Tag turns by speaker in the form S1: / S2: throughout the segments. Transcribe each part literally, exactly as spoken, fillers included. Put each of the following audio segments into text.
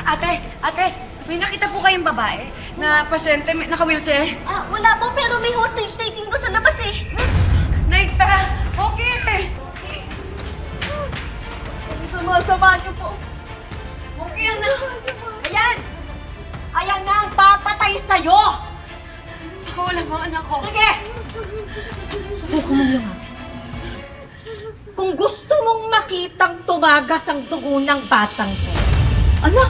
S1: Ate, ate, may nakita po kayong babae na pasyente, may- naka-wheelchair?
S2: Ah, wala po, pero may hostage taking ko sa labas eh.
S1: Nay, tara! Okay!
S2: Sumasama niyo po.
S1: Okay lang na.
S3: Ayan! Ayan na ang papatay sa'yo!
S1: Ako lang ang anak ko.
S3: Sige! Subukan mo yung Kung gusto mong makitang tumagas ang dugo ng batang to.
S1: Ano?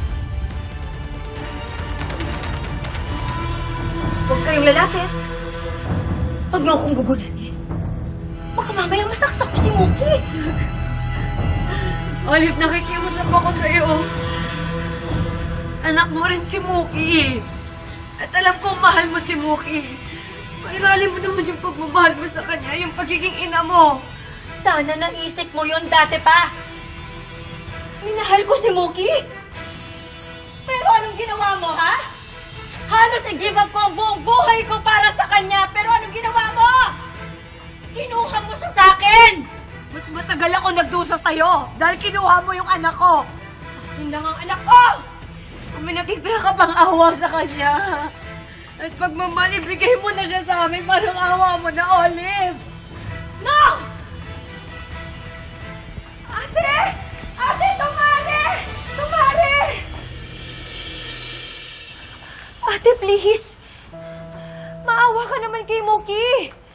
S2: Huwag kayong lalapit.
S3: Huwag niyo akong gugulanin. Baka mamaya masaksak ko si Muki.
S1: Olive, nakikiusap ako sa'yo. Anak mo rin si Muki. At alam kong mahal mo si Muki. Pairali mo naman yung pagmamahal mo sa kanya, yung pagiging ina mo.
S3: Sana naisip mo yon dati pa. Minahal ko si Muki. Pero anong ginawa mo, ha? Halos i-give up ko ang buong buhay ko para sa kanya. Pero anong ginawa mo? Kinuha mo siya sa akin.
S1: Mas matagal ako nagdusa sa'yo dahil kinuha mo yung anak ko.
S3: Yun lang ang anak ko.
S1: Kung may natitira ka pang awa sa kanya. At pag mamali, bigay mo na siya sa amin, parang awa mo na, Olive.
S3: No! Ate! Ate, tumali! Tumali! Ate, please! Maawa ka naman kay Moki!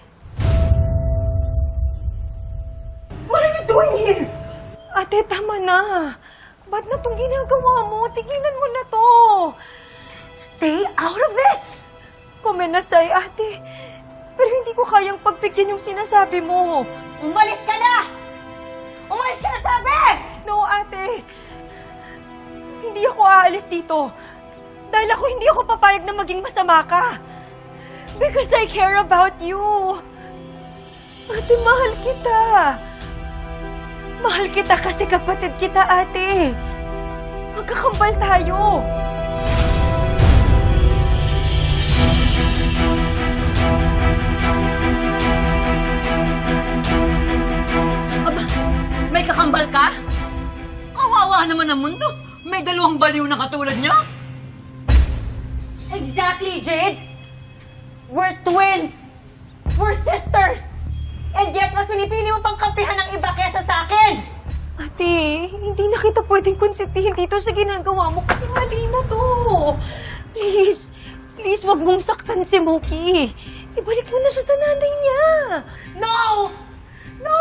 S3: What are you doing here? Ate, tama na. Ba't na itong ginagawa mo? Tigilan mo na to. Stay out of it! Kumenasay, ate. Pero hindi ko kayang pagpigyan yung sinasabi mo. Umalis ka na! Umalis ka na, sabi! No, ate. Hindi ako aalis dito. Dahil ako hindi ako papayag na maging masama ka. Because I care about you. Ate, mahal kita. Mahal kita kasi kapatid kita, ate. Magkakambal tayo.
S4: Aba, may kakambal ka? Kawawa naman ang mundo. May dalawang baliw na katulad niya.
S3: Exactly, Jade. We're twins. We're sisters. And yet, mas pinipili mo pang kampihan ng iba kesa sa akin. Ate, hindi na kita pwedeng konsentihin dito sa ginagawa mo kasi mali na to. Please, please, wag mong saktan si Moki. Ibalik mo na siya sa nanay niya. No! No!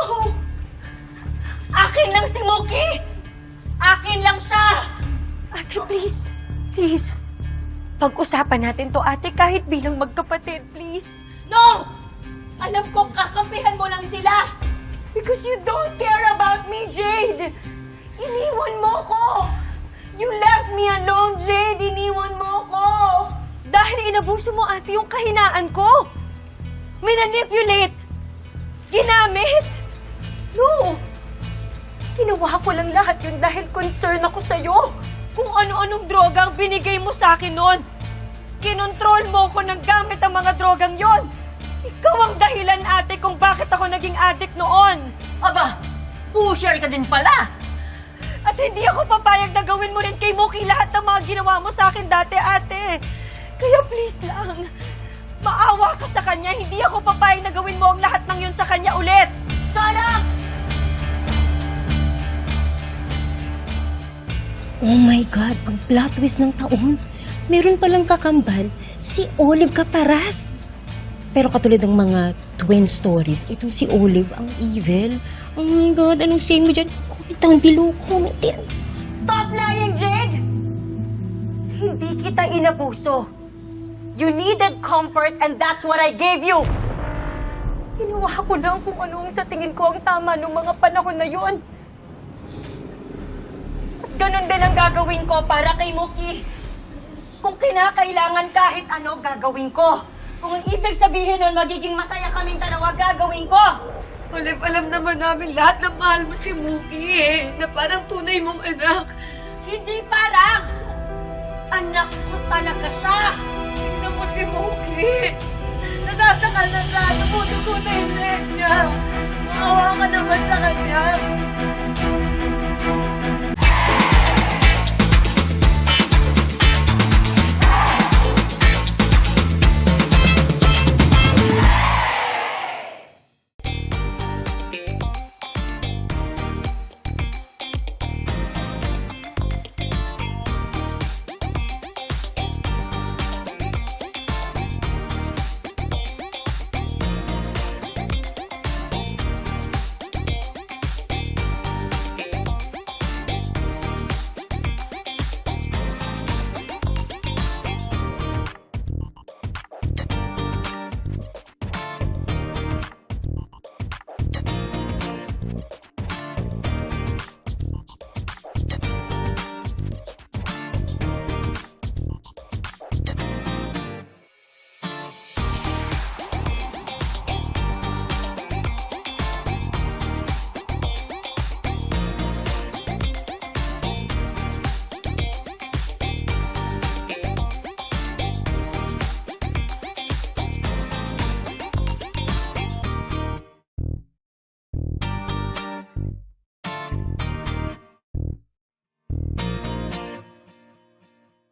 S3: Akin lang si Moki! Akin lang siya! Ate, please. Please. Pag-usapan natin to, ate, kahit bilang magkapatid, please. No! Alam ko, kakampihan mo lang sila. Because you don't care about me, Jade. Iniwan mo ko. You left me alone, Jade. Iniwan mo ko. Dahil inabuso mo, ate, yung kahinaan ko. Minanipulate. Ginamit. No. Ginawa ko lang lahat yun dahil concern ako sa'yo. Kung ano-anong droga ang binigay mo sa akin noon. Kinontrol mo ko ng gamit ang mga drogang yon. Ikaw ang dahilan, ate, kung bakit ako naging addict noon.
S4: Aba, pusher ka din pala.
S3: At hindi ako papayag na gawin mo rin kay Moki lahat ng mga ginawa mo sa akin dati, ate. Kaya please lang, maawa ka sa kanya. Hindi ako papayag na gawin mo ang lahat ng yun sa kanya ulit. Shut up!
S5: Oh my God, ang plot twist ng taon. Meron palang kakambal, si Olive Caparas. Pero katulad ng mga twin stories, itong si Olive ang evil. Oh my God, anong say mo dyan? Comment down below, comment yan.
S3: Stop lying, Jade! Hindi kita inabuso. You needed comfort and that's what I gave you. Ginawa ko lang kung ano ang sa tingin ko ang tama noong mga panahon na yun. At ganun din ang gagawin ko para kay Muki. Kung kinakailangan kahit ano, gagawin ko. Kung ang ibig sabihin nun, magiging masaya kaming dalawa, gagawin ko.
S1: Olive, alam naman namin lahat na mahal mo si Muki eh. Na parang tunay mong anak.
S3: Hindi parang! Anak ko talaga siya!
S1: Tingnan mo si Muki. Nasasakal na siya. Tumutugo na yung leg niya. Maawa ka naman sa kanya.